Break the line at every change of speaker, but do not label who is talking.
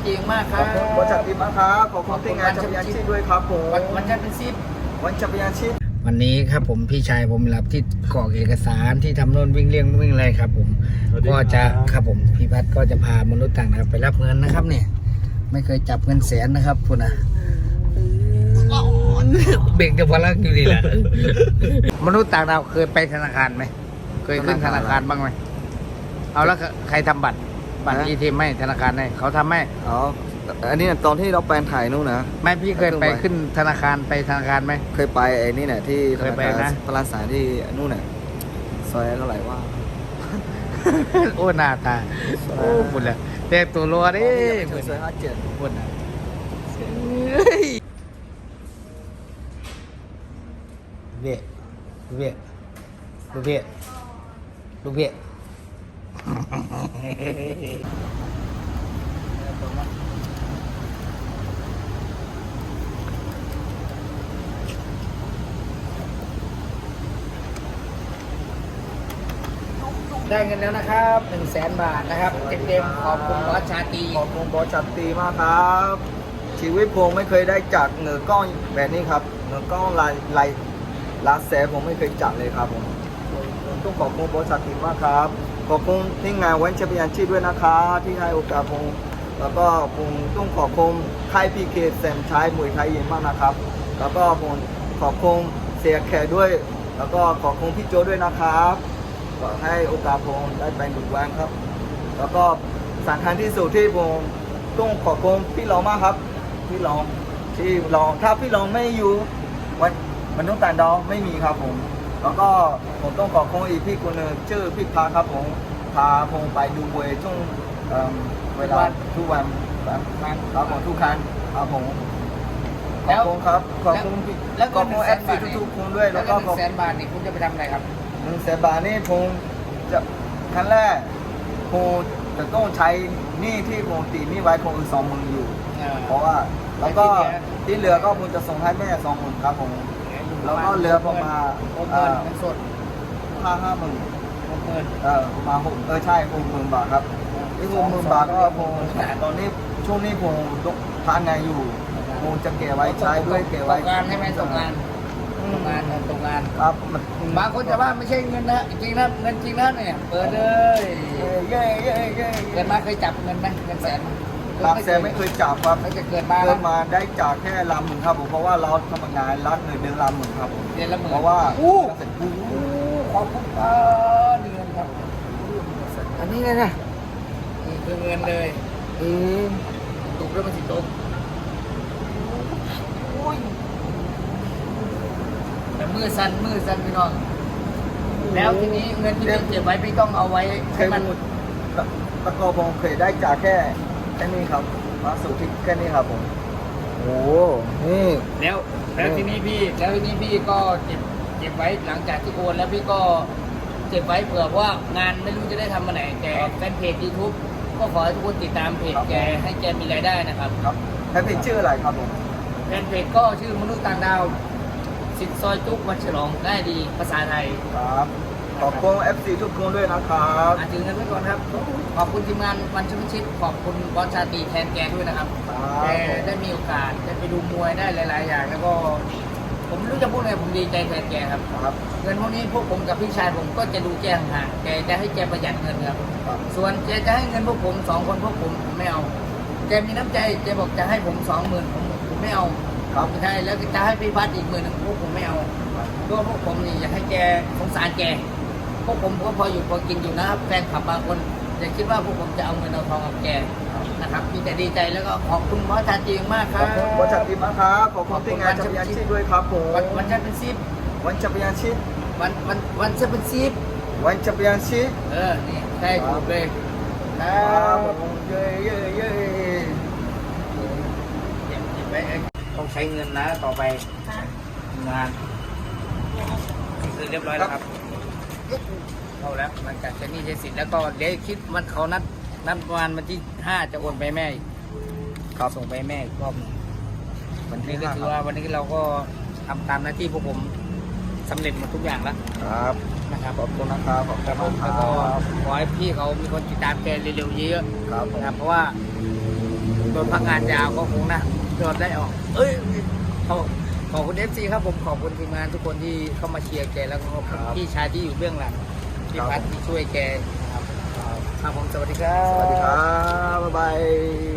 จีมากค
ข
รั
อ
บบ
คุณบริษัทดีมากครับขอบคุณที่งานจักรยานชีพด้วยครับผม
วันจันทร์เป็น10
วันจักรยานชีพ
วันนี้ครับผมพี่ชายผมรับที่กรอกเอกสารที่ทำโน่นวิ่งเลี่ยงวิ่งอะไรครับ ผมก็จะครับผมพี่พัดก็จะพามนุษย์ต่างดาวไปรับเงินนะครับเนี่ยไม่เคยจับเงินแสนนะครับคุณนะเบ่งจะพลังอยู่ดีแหละมนุษย์ต่างดาวเคยไปธนาคารไหมเคยขึ้นธนาคารบ้างไหมเอาแล้วใครทำบัตรATMให้ธนาคารให้เขาทำให้
อ๋ออันนี้ตอนที่เราแปลนถ่ายนู่นนะ
ไม่พี่เคยไปขึ้นธนาคารไปธนาคารไหม
เคยไปไอ้นี่เนี่ยที่
เคยไปนะ
พลาสารที่นู่นเนี่ยซอยเท่าไหร่ว่า
โอ้หน้าตาโอ้บุญเลยแต่ตัวรัวดิ
ซอย57
บุญนะเบี้ยลูกเบี้ยลูกเบี้ยลูกเบี้ยได้เงินแล้วนะครับ100,000 บาทนะครับเต็มๆขอบคุณบอสชาตรี
ขอบคุณบอสชัดตีมากครับชีวิตผมไม่เคยได้จัดเงินก้อนแบบนี้ครับเงินก้อนลายแสนผมไม่เคยจัดเลยครับผมต้องขอบคุณบอสชัดตีมากครับขอบคุณที่งานวันจักรยานชีพด้วยนะครับที่ให้โอกาสผมแล้วก็ผมต้องขอบคุณค่ายพีเคแซมชัยมวยไทยยิมมากนะครับแล้วก็ผมขอบคุณเสียแขกด้วย แล้วก็ขอบคุณพี่โจด้วยนะครับก็ให้โอกาสผมได้ไปดูแวงครับ แล้วก็สำคัญที่สุดที่ผมต้องขอบคุณพี่รองมากครับพี่รองที่รองถ้าพี่รองไม่อยู่มันต้องต่างดาวไม่มีครับผมแล้วก็ผมต้องขอบคุณอีกพี่คนหนึงชื่อพี่พาครับผมพาผมไปดูมวยช่วงเวลาทุกวันครับผมทุกครั้งครับผมขอบคุณครับขอบคุณพี่
แล้ว
ขอบคุณ FC ทุกๆคนด้วย
แล้
แล้ว ว
ก็
ก็ขอบ
100,000 บาทนี่คุณจะไปทำอะไรครับ
100,000 บาทนี่ผมจะครั้งแรกผมจะต้องใช้หนี้ที่ผมติดหนี้ไว้คงอีก20,000อยู่ เพราะว่าแล้วก็ที่เหลือก็ผมจะส่งให้แม่20,000ครับผมแล้วก็เหลือประมาณ
60,000เงินสด
50,000
60,000
ประมาณ6ใช่60,000 บาทครับที่60,000 บาทก็ผมตอนนี้ช่วงนี้ผมทำงานอยู่ผมจะเก็บไว้ใช้ด้วยเก็บ
ต
ไว้
กงานใช่ไหมตกงานตกงาน
ครับมัน
บางคนจะว่าไม่ใช่เงินนะจริงนะเงินจริงนะเนี่ยเปิดเลย
เย่เย่เย่
เกิดมาเคยจับเงินไหมเงินแสน
หลักแสนไม่เคยจับครับ
ไม่จะเกิดมา
เกิดมาได้จากแค่1,000,000ครับผมเพราะว่าเราทำงานรักเงินเดือน1,000,000ครับผม
เดือนละหมื่น
เพราะว่า
ขอบคุณครับเดือนครับ
อันนี้ไงนะ
นี่คือเงินเลย
เออ
ตุกแล้วมันสิตุกแต่มือสั่นพี่น้องแล้วทีนี้เงินที่พี่เก็บไว้พี่ต้องเอาไว้
เค
ให้
ย
มัน
ตะกอผมเคยได้จากแค่นี้ครับมาสู่ที่แค่นี้ครับผมโอ้นี่
แล้วทีนี้พี่ก็เก็บไว้หลังจากที่โอนแล้วพี่ก็เก็บไว้เผื่อว่างานไม่รู้จะได้ทำมาไหนแต่แฟนเพจ YouTube ก็ขอให้ทุกคนติดตามเพจแกให้แกมีรายได้นะครับ
ครับแค่เพจชื่ออะไรครับผม
แฟนเพจก็ชื่อมนุษย์ต่างดาวสิทธิ์ซอยจุกวันฉลองได้ดีภาษาไทย
ครับขอบคุณ FC ทุกคนด้วยนะครับ
ถือเงินไว้ก่อนครับขอบคุณทีมงานวันชมชิดขอบคุณบอสชาตรีแทนแกด้วยนะครับแกได้มีโอกาสได้ไปดูมวยได้หลายๆอย่างแล้วก็ผมไม่รู้จะพูดอะไรผมดีใจแทนแกครับ
ครับ
เงินพวกนี้พวกผมกับพี่ชายผมก็จะดูแกห่างๆแกจะให้แกประหยัดเงินครับ
ครับ
ส่วนแกจะให้เงินพวกผม2 คนพวกผมไม่เอาแกมีน้ำใจแกบอกจะให้ผม20,000ผมไม่เอา
ครับ
ใช่แล้วจะให้พี่พัดอีก10,000พวกผมไม่เอาตัวพวกผมนี่อยากให้แกสงสารแกพวกผมก็พออยู่พอกินอยู่นะครับแฟนคลับบางคนจะคิดว่าพวกผมจะเอาเงินเอาทองกับแกนะครับมีแต่ดีใจแล้วก็ขอบคุณบอสชาตรีมากค
ข
รั
อ
บบ
คุณบริษัทดีมากครับขอบคุณที่งานจักรยานชีพด้วยครับผม
วันจันทร์เป็นซิป
วันจักรยานชีพ
วันจะเป็นซิป
วันจักรยานชีพ
นี่ใช่ถูกเลยค
ค
รั
รับบ ผมเย่เย่เย่
เก็บไว้ต้องใช้เงินนะต่อไปงานคือเรียบร้อยแล้วครับเข้าแล้วหลังจากใช้หนี้ใช้สินแล้วก็เดี๋ยวคิดมันเขานัดประมาณวันที่5จะโอนไปแม่อีก
ครับ
ส่งไปแม่อีกรอบหนึง
วัน
นี่
ที่
ก็
5
ถือว่าวันนี้เราก็ทำตามหน้าที่พวกผมสำเร็จหมดทุกอย่างแล้ว
ครับ
นะครับ
ขอบคุณนะครับขอบ
ค
คุ
รับ
ณ
ผม
ครั
แล้วก็
บ
ขอให้พี่เขามีคนติดตามแกเร็วๆเยอะ
ครับ
ๆ
ผม
นะครับเพราะว่าโดนพักงานยาวก็คงนะโดนได้ออก ขอบคุณFC ครับผมขอบคุณทีมงานทุกคนที่เข้ามาเชียร์แกแล้วก็ขอบคุณพี่ชายที่อยู่เบื้องหลังพี่พัดที่ช่วยแกครับผมสวัสดีครับ
สวัสดีครับ บ๊ายบาย